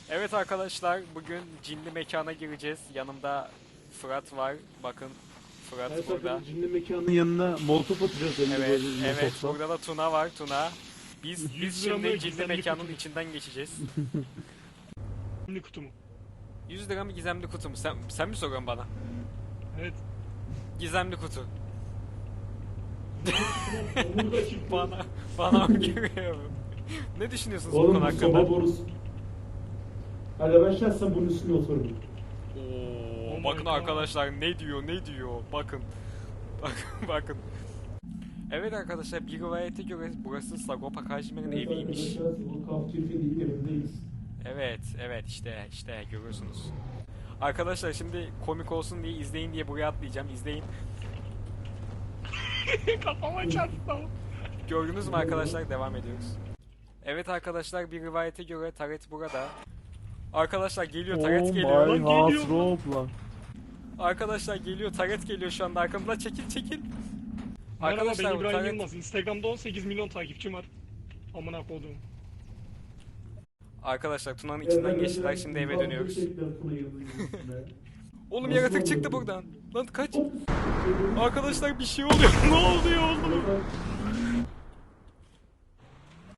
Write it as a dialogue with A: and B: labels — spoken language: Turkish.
A: Evet arkadaşlar, bugün cinli mekana gireceğiz. Yanımda Fırat var. Bakın Fırat
B: Her
A: burada.
B: seferinde cinli mekanın yanına molotof atacağız elinde
A: Evet,
B: böyle
A: evet.
B: molotofla.
A: Burada da Tuna var, Tuna. Biz
C: 100 lira
A: şimdi
C: mı,
A: cinli
C: gizemli
A: mekanın
C: kutu mu?
A: içinden geçeceğiz.
C: Gizemli kutu mu?
A: 100 lira mı gizemli kutu mu? Sen mi soruyorsun bana?
C: Evet.
A: Gizemli kutu.
B: Burada çıktı.
A: Bana mı giriyor? Ne düşünüyorsunuz bu
B: Oğlum
A: konu
B: bu
A: hakkında?
B: soba borusu. Hadi ben şahsen bunun üstüne otururum.
A: Oo,
C: Oh
A: bakın
C: my God.
A: arkadaşlar ne diyor bakın. Bakın. Evet arkadaşlar, bir rivayete göre burası Sagopa Kajmer'in eviymiş.
B: Bu Kaf Çirkin'in evindeyiz.
A: Evet işte görüyorsunuz. Arkadaşlar şimdi komik olsun diye izleyin diye buraya atlayacağım, izleyin.
C: Kafama çarptı ama.
A: Gördünüz mü arkadaşlar, devam ediyoruz. Evet arkadaşlar, bir rivayete göre Taret burada. Arkadaşlar geliyor, Taret geliyor.
C: my house
B: rope lan.
A: Arkadaşlar geliyor, Taret geliyor şu anda arkamda, çekil.
C: Merhaba, ben
A: Arkadaşlar bu
C: İbrahim
A: Taret...
C: Yılmaz. Instagram'da 18 milyon takipçim var. Amına koduğum.
A: Arkadaşlar Tuna'nın içinden geçtiler, şimdi eve dönüyoruz. Oğlum yaratık çıktı buradan. Lan kaç. Arkadaşlar bir şey oluyor. Ne oluyor oğlum?